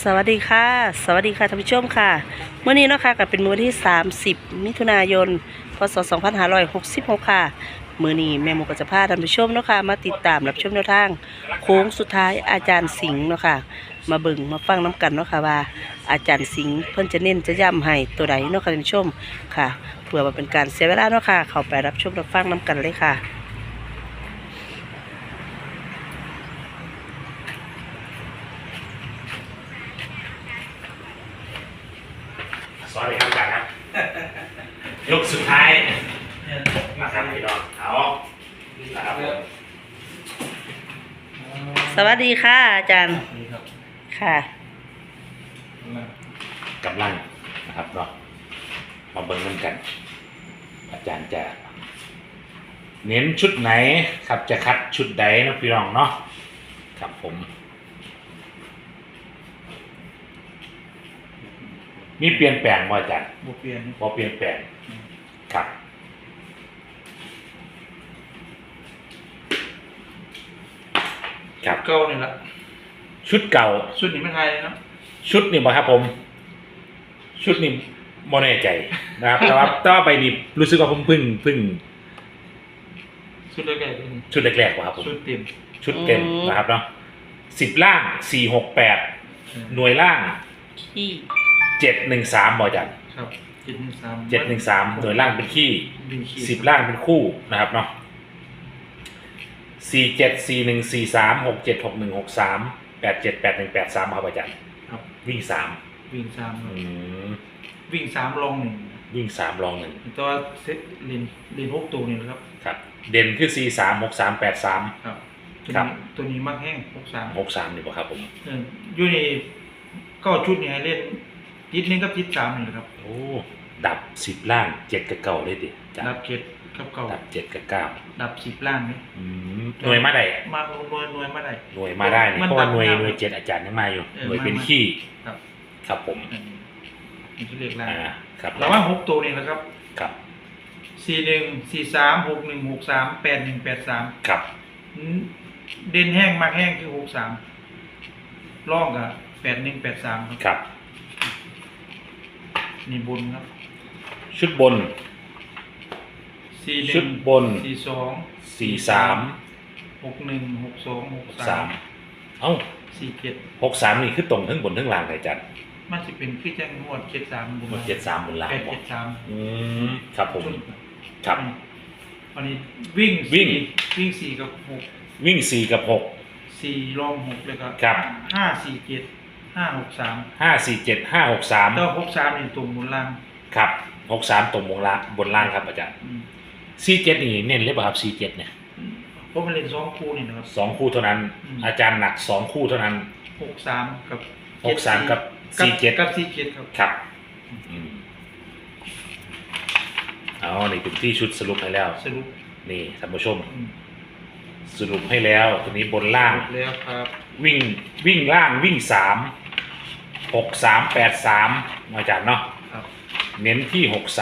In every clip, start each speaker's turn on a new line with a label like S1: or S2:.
S1: สวัสดีค่ะสวัสดีค่ะท่านผู้ชมค่ะเมื่อนี้เนาะค่ะก็เป็นมื้อที่30มิถุนายนพศ2566ค่ะมื้อนี้แม่หมูก็จะพาท่านผู้ชมเนาะค่ะมาติดตามรับชมแนวทางโค้งสุดท้ายอาจารย์สิงห์เนาะค่ะมาเบิ่งมาฟังน้กันเนาะค่ะว่าอาจารย์สิงห์เพิ่นจะเน้นจะย้ำให้ตัวใดเนาะค่ะท่านผู้ชมค่ะเพื่อว่าเป็นการเสียเวลาเนาะค่ะเข้าไปรับชมรับฟังน้กันเลยค่ะ
S2: สวัสดีครับอาจารย์ครับ ยกสุดท้ายนะครับพี่น้องเอานะครับผม
S1: สวัสดีค่ะอาจารย์ค่ะ
S2: กำลังนะครับเนาะมาเบิ่งกันอาจารย์จะเน้นชุดไหนครับจะคัดชุดใดนะพี่น้องเนาะครับผมมีเปลี่ยนแปลงบ่อาจารย์
S3: บ่เปลี่ยน
S2: บ่เปลี่ยนแปลงครับครับ
S3: เก่านี่ละ
S2: ชุดเก่า
S3: สุดนี้ไม่ไทยเลยเนาะ
S2: ชุดนี่บ่ครับผมชุดนี่บ่แน่ใจนะครับ แต่ว่าต่อไปนี่รู้สึกว่าผมเพิ่ง
S3: สุดแรกๆนี่
S2: ชุดแรกๆว่ะครับผม
S3: สุดเต็ม
S2: ชุดเต็มนะครับเนาะ10ล่าง468หน่วยล่าง
S1: ขี้
S2: 713บ่อาจารย์
S3: ครับ
S2: 713หน่วยล่างเป็นขี้10ล่างเป็นคู่นะครับเนาะ474143676163878183ครับอาจารย์
S3: ครับ
S2: วิ่ง3
S3: วิ่ง3
S2: อืม
S3: วิ่ง3ลอง1
S2: วิ่ง3รอง1
S3: ตัวเซตเล่น6ตัวนี่นะครับ
S2: ครับเด่นคือ436383
S3: ครับ
S2: ครับ
S3: ตัวนี้มักแห้ง63
S2: 63นี่บ่ครับผม
S3: อยู่นี่ก็ชุดนี้ให้เล่นติด1กับติด3นี่แหละครับ
S2: โอ้ดับ10ล่าง7กับ9เลยดิจ้ะ
S3: ดับ7กับ9
S2: ดับ7กับ9
S3: ดับ10ล่างนี่
S2: หน่วยมาได้
S3: มาหน่วยมาได้
S2: หน่วยมาได้นี่
S3: มัน
S2: เพราะว่าหน่วย
S3: ดับ
S2: หน่วย7อาจารย์ยังมาอยู่ หน่วย
S3: มา
S2: เป็นขี้
S3: ครับ
S2: ครับผม
S3: นี่คือเลขล่าง
S2: ครับ
S3: ระหว่าง6ตัวนี่แหละครับ
S2: ครับ
S3: 414361638183
S2: ครับ
S3: เด่นแห้งมากแห้งคือ63ร่องกับ8183ครับ
S2: ครับ
S3: นี่บนครับ
S2: ชุดบน
S3: 41
S2: ชุดบน
S3: 42
S2: 43
S3: 61 62
S2: 3เอ้า
S3: 63
S2: 63นี่คือตรงทั้งบนทั้งล่างเลยอาจารย์
S3: 47มันสิเป็นคือจังงวด73บน
S2: หมด73บนล่างบ่
S3: 873
S2: ครับผมครับ
S3: อันนี้วิ่ง
S2: วิ่ง
S3: วิ่ง4กับ
S2: วิ่ง4กับ6
S3: 4รอง6แล้วก็
S2: ครับ
S3: 547 563
S2: 547 563
S3: แล้ว63นี่ตรงบนล่าง
S2: ครับ63ตรงบนล่างครับอาจารย์47นี่เน้นเลยป่ะครับ47เนี่ย
S3: เพราะมันเล่น2คู่นี่นะครับ
S2: 2คู่เท่านั้น อาจารย์หนัก2คู่เท่านั้น
S3: 63กับ
S2: 63กับ47
S3: กับ47ครับ
S2: ครับเอานี่เป็นที่ชุดสรุปให้แล้ว
S3: สรุป
S2: นี่ท่านผู้ชมสรุปให้แล้วตัวนี้บนล่าง
S3: แล้วครับ
S2: วิ่งล่างวิ่ง3 63 83อาจารย์เนาะ
S3: ครับ
S2: เน้นที่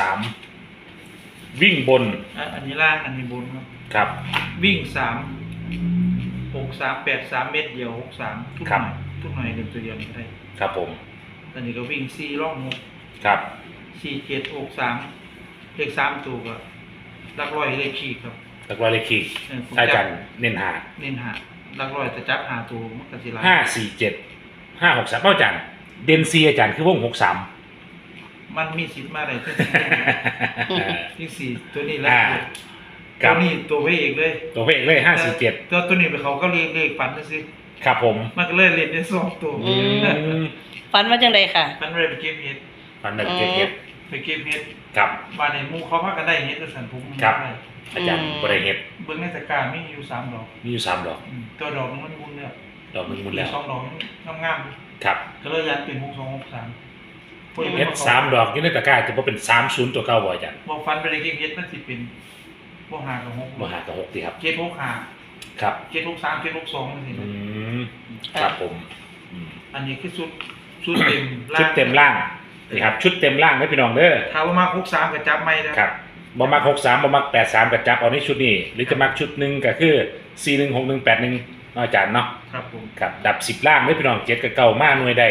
S2: 63วิ่งบน
S3: อันนี้ล่างอันนี้บนครับ
S2: ครับ
S3: วิ่ง3 63 83เม็ดเดียว63ทุกห
S2: ครั
S3: น่
S2: บ
S3: อยทุกหน่อยเล่นตัวเดียวได้
S2: ครับผม
S3: อันนี้ก็วิ่ง4ร่อง
S2: ครับ
S3: 6 47 63เลข3ตัวก็หลักร้อยเลขขีดครับ
S2: แล้วก็เลขคี
S3: ผม
S2: อาจารย์เน้นหา
S3: เน้นหาหลักร้อยจะจับหาตัวมันก็สิหลาย
S2: 547 563อาจารย์เดนซีอาจารย์คือวง63
S3: มันมีสิทธิ์มาได้ที่4ตัวนี้แล้ว
S2: ค
S3: ตั
S2: รั
S3: ว
S2: บ
S3: นี้ตัวพระเอกเลย
S2: ตัวเพลงเลย547
S3: ตัวนี้ไปเขาก็เลขฝันนะสิ
S2: ครับผม
S3: มันก็เลยเล่นได้2ตัว
S1: ฝันว่าจังไดค่ะ
S3: มันเลยไปเก็บเห็ด
S2: ฟันหนึ่งเจ็ดเฮ็ด
S3: ไปเก็บเห็ด
S2: ครับ
S3: บ้านในหมู่เขาพากันได้เห็ดแล้วสันผม
S2: ครับ
S3: ได้
S2: อาจารย์บริเฮ็ด
S3: เบิ่งในตะกร้ามีอยู่3ดอก
S2: มีอยู่3ดอก
S3: ตัวดอกมันมุนเนี่ย
S2: ดอกหนึงหมดแล้ว
S3: 2ดอกงาม
S2: ครับ
S3: ๆก็เลยยันเป็น6263
S2: เฮ็ด3ดอกอยู่ในตะกร้าจะบ่เป็น30ตัวเก่าบ่อาจารย์
S3: บ่ฟันไปเลยเก็บเห็ดมันสิเป็นบ่หากับ6
S2: บ่หากับ6ติครับ
S3: เจ็ด6หา
S2: ครับ
S3: เจ็ด6 3เจ็ด6 2จังซี่
S2: อืมครับผม
S3: อันนี้คือชุดเต็ม
S2: ชุดเต็มล่างนี่ครับชุดเต็มล่างนะพี่น้องเด้อ
S3: ถ้าว่ามา63ก็จับไม่ได้
S2: ครับบ่มัก63บ่มัก83ก็จับเอาในชุดนี้หรือจะมักชุดหนึงก็คือ416181อาจารย์เนาะ
S3: ครับผม
S2: ครับดับ10ล่างเด้อพี่น้อง7กับ9มาหน่วยได้
S3: อ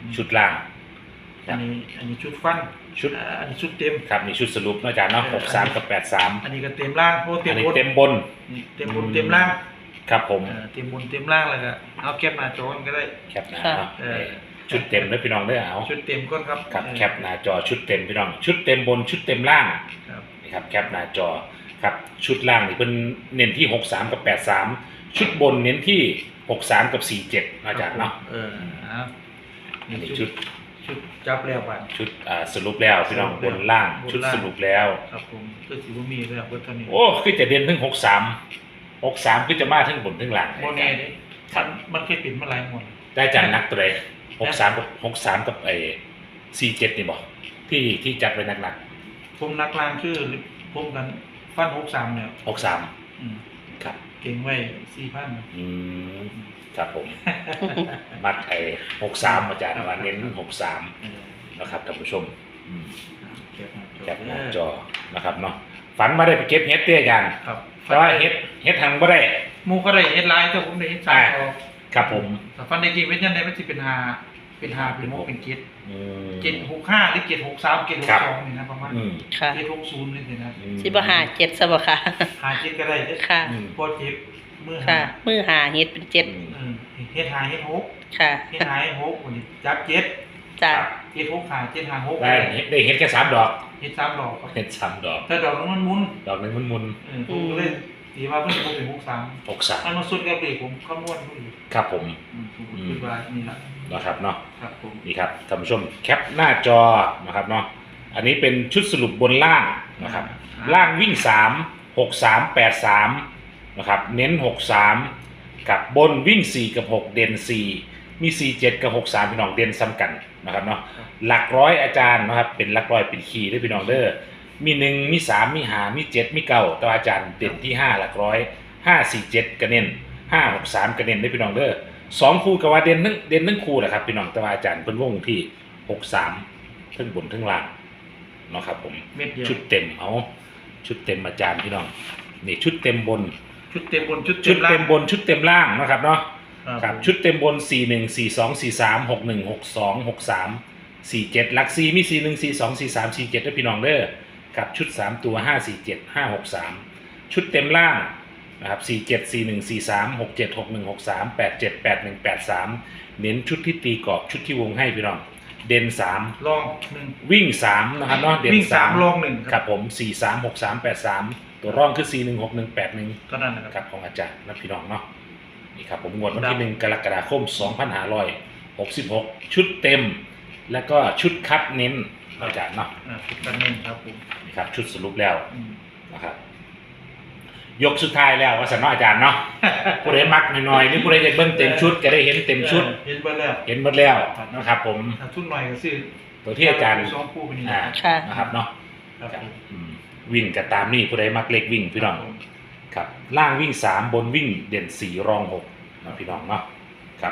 S2: ชุดล่าง
S3: อันนี้ชุดฟัน
S2: ชุด
S3: อันนี้ชุดเต็ม
S2: ครับนี่ชุดสรุปเนาะอาจารย์เนาะ63กับ83
S3: อันนี้ก็เต็มล่างเพราะ
S2: อั
S3: เต็
S2: น
S3: ม
S2: นี้
S3: บน
S2: เต็มบน
S3: นี่เต็มบนเต็มล่าง
S2: ครับผม
S3: เต็มบนเต็มล่างเลยก็เอาแคปหน้าจอก็ได้
S2: แคปหน้าเนาะชุดเต็มเด้อพี่น้องเด้อเอา
S3: ชุดเต็มก่อนครับ
S2: ครับแคปหน้าจอชุดเต็มพี่น้องชุดเต็มบนชุดเต็มล่าง
S3: ครับ
S2: นี่ครับแคปหน้าจอครับชุดล่างนี่เป็นเน้นที่63กับ83ชุดบนเน้นที่63กับ47อาจารย์เนาะ
S3: ครับ
S2: อันนี้
S3: นี่
S2: ชุด
S3: ชุดจับแล้วบัด
S2: ชุดสรุปแล้วพี่น้องบนล่างชุดสรุปแล้ว
S3: ครับผมก็สิบ่มีแล้วเบิดเท่านี้
S2: โอ้คือจะเด่นถึง63คือจะมาถึงบนถึงล่าง
S3: บ่แน่เด้มันเคยเป็นมาหลายหมด
S2: ได้อาจารย์นักตัวใด63กับไอ้47นี่บ่ที่จัดไว้หนัก
S3: ผมนักล่างคือผมกันฟัน63เนี่ย
S2: ๆ63ครับ
S3: เก่งไว้ 4,000
S2: ครับผม มัดไอ้63อาจารย์ว่าเน้น63นะครับท่านผู้ชมแคปหน้าจอนะครับเนาะฝันมาได้ไปเก็บเฮ็ดเตี้ยอาจารย์
S3: ครับ
S2: แต่ว่าเฮ็ดทางบ่ได้
S3: หมู่ก็ได้เฮ็ดหลายแต่ผมได้เฮ็ด3พอ
S2: ครับผม
S3: แต่ฟันได้จริงเป็นจังได๋มันสิเป็น5เป็น6เป็น7
S2: อืม
S3: 765หรือ763 762นี่นะประมาณ
S1: ค่ะ
S3: 760นี่สินะ
S1: สิบ่หาเจ็ดซะบ่ค่ะ
S3: 57ก็ได้เด้อ
S1: ค่ะ
S3: พอเจ็บมือ
S1: ค่ะ
S3: หา
S1: มือหาเฮ็ดเป็นเจ็ด
S3: เฮ็ดหาเฮ็ดหก
S1: ค่ะ
S3: เฮ็ดหาเฮ็ดหกวันนี้จับเจ็ด
S1: จ้ะ
S3: เฮ็ดหกหาเจ็ดหาหก
S2: ได้เฮ็ดแค่3ดอก
S3: เฮ็ด3ดอกครับ
S2: เฮ็ด3ดอก
S3: แต่ดอกนึงมันหมุน
S2: ดอกหนึงมันมุน
S3: ผมก็เลยตีว่าเพิ่นบ่เป็น63
S2: 63
S3: มันมาสุดกับเด็กผมคำนวณดูอยู่
S2: ครับผม
S3: ผมก็คิดว่านี่ล่ะ
S2: นะครับเนาะ
S3: ครับผม
S2: นี่ครับท่านผู้ชมแคปหน้าจอนะครับเนาะอันนี้เป็นชุดสรุปบนล่างนะครับล่างวิ่ง3 6 3 8 3นะครับเน้น63กับบนวิ่ง4กับ6เด่น4มี47กับ63พี่น้องเด่นซ้ำกันนะครับเนาะหลักร้อยอาจารย์นะครับเป็นหลักร้อยเป็นคีย์ด้วยพี่น้องเด้อมี1มี3มี5มี7มี9แต่ว่าอาจารย์เด่นที่5หลักร้อย5 4 7ก็เน้น5 6 3ก็เน้นด้วยพี่น้องเด้อ2คู่กับว่าเด่นทั้งคู่แหละครับพี่น้องแต่ว่าอาจารย์เพิ่นวงที่63ทั้งบนทั้งล่างเนาะครับผม
S3: เม็ดเดียว
S2: ชุดเต็มเอาชุดเต็มอาจารย์พี่น้องนี่ชุดเต็มบน
S3: ชุดเต็มบนชุด
S2: ชุดเต็มบนชุดเต็มล่างนะครับเนาะ
S3: ค
S2: ค
S3: รั
S2: รั
S3: บบ
S2: ชุดเต็มบน41 42 43 61 62 63 47หลัก4มี41 42 43 47ด้วยพี่น้องเด้อกับชุด3ตัว547 563ชุดเต็มล่างนะครับ47 41 43 67 61 63 87 81 83เน้นชุดที่ตีกรอบชุดที่วงให้พี่น้องเด่น3
S3: ลอง1
S2: วิ่ง3นะครับเนาะเด่น
S3: วิ่ง3ลอง1
S2: ครับผม4 3 6 3 8 3ตัวร่องคือ4 1 6 1 8 1
S3: เท่านั้นนะ
S2: ค
S3: ค
S2: รั
S3: รั
S2: บบ ของอาจารย์นะพี่น้องเนาะนี่ครับผมงวดวันที่1กรกฎาคม2566ชุดเต็ม แล้วก็ชุดคัดเน้นอาจารย์เนาะ
S3: ชุดกันเน้นครับผม
S2: นี่ครับชุดสรุปแล้ว
S3: อืม
S2: นะครับยกสุดท้ายแล้วว่าสันเนาะอาจารย์เนาะ ผู้ใดมักหน่อยๆนี่ผู้ใดจะเบิ่งเต็มชุดก็ได้เห็นเต็มชุด
S3: เห็นไปแล้ว
S2: เห็นหมดแล้วนะครับผม
S3: ถ้าชุดหน่อยก็ซื้อ
S2: ตัวที่อาจารย์
S3: สองคู่ไปนี่
S1: ค่ะ
S2: นะครับเนาะ
S3: ครับผม
S2: วิ่งกับตามนี่ผู้ใดมักเล็กวิ่งพี่น้อง ครับล่างวิ่ง3บนวิ่งเด่น4รอง6นะพี่น้องเนาะครับ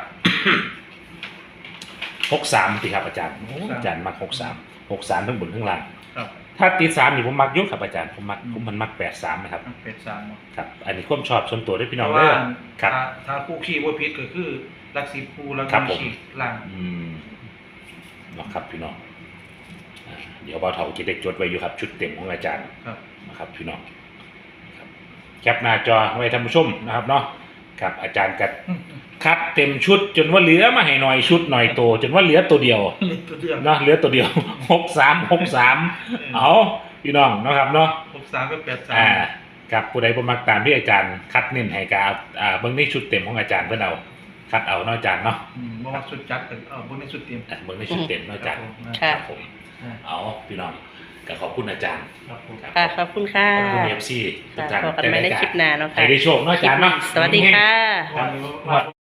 S2: 63สิครับอาจารย์อาจารย์มัก63ทั้งบนทั้งล่าง
S3: ครับ
S2: ถ้าติด3นี่ผมมักอยุ่ครับอาจารย์ผมมันมัก83นะครับ
S3: เป็ด3เนาะ
S2: ครับอันนี้ความชอบส่วนตัวด้วยพี่น้อง
S3: เพราะ
S2: เด้
S3: ว่า
S2: อครับ
S3: ถ้าคู่ขี้บ่ผิดก็คือลัก10คู่แล้ว
S2: ครั
S3: ก็
S2: บผม
S3: ขี้ล่าง
S2: เนาะครับพี่น้องเดี๋ยวบ่าวเฒ่าจะได้จดไว้อยู่ครับชุดเต็มของอาจารย์
S3: ครับ
S2: นะครับพี่น้องครับแคปหน้าจอไว้ท่านผู้ชมนะครับเนาะครับอาจารย์กัดคัดเต็มชุดจนว่าเหลือมาให้หน่อยชุดหน่อยโตจนว่าเหลือตัวเดียว
S3: นี่ตัวเดียว
S2: เนาะเหลือตัวเดียว 63เอาพี่น้องเนาะครับเนาะ
S3: 63กับ83
S2: กับผู้ใดบ่มักตามที่อาจารย์คัดเน้นให้กับเบิ่งในชุดเต็มของอาจารย์เพิ่นเอาคัดเอาเนาะอาจารย์เนาะ
S3: บ่ว่าสุดจัดก็บ่ได้สุดเต็ม
S2: เบิ่งในชุดเต็มเนาะอาจารย์
S1: ค่ะ
S2: ครับผมเอาพี่น้องก็ขอบคุณอาจารย์
S3: ครับผม
S2: ครับ
S1: ค่ะขอบคุณค่ะ
S2: ขอบคุณ FC ทุกท่าน
S1: พบกันใหม่ในคลิปหน้าเนาะค่ะ
S2: ให้ได้โชคเนาะอาจารย์เนาะ
S1: สวัสดีค่ะ
S3: วันนี้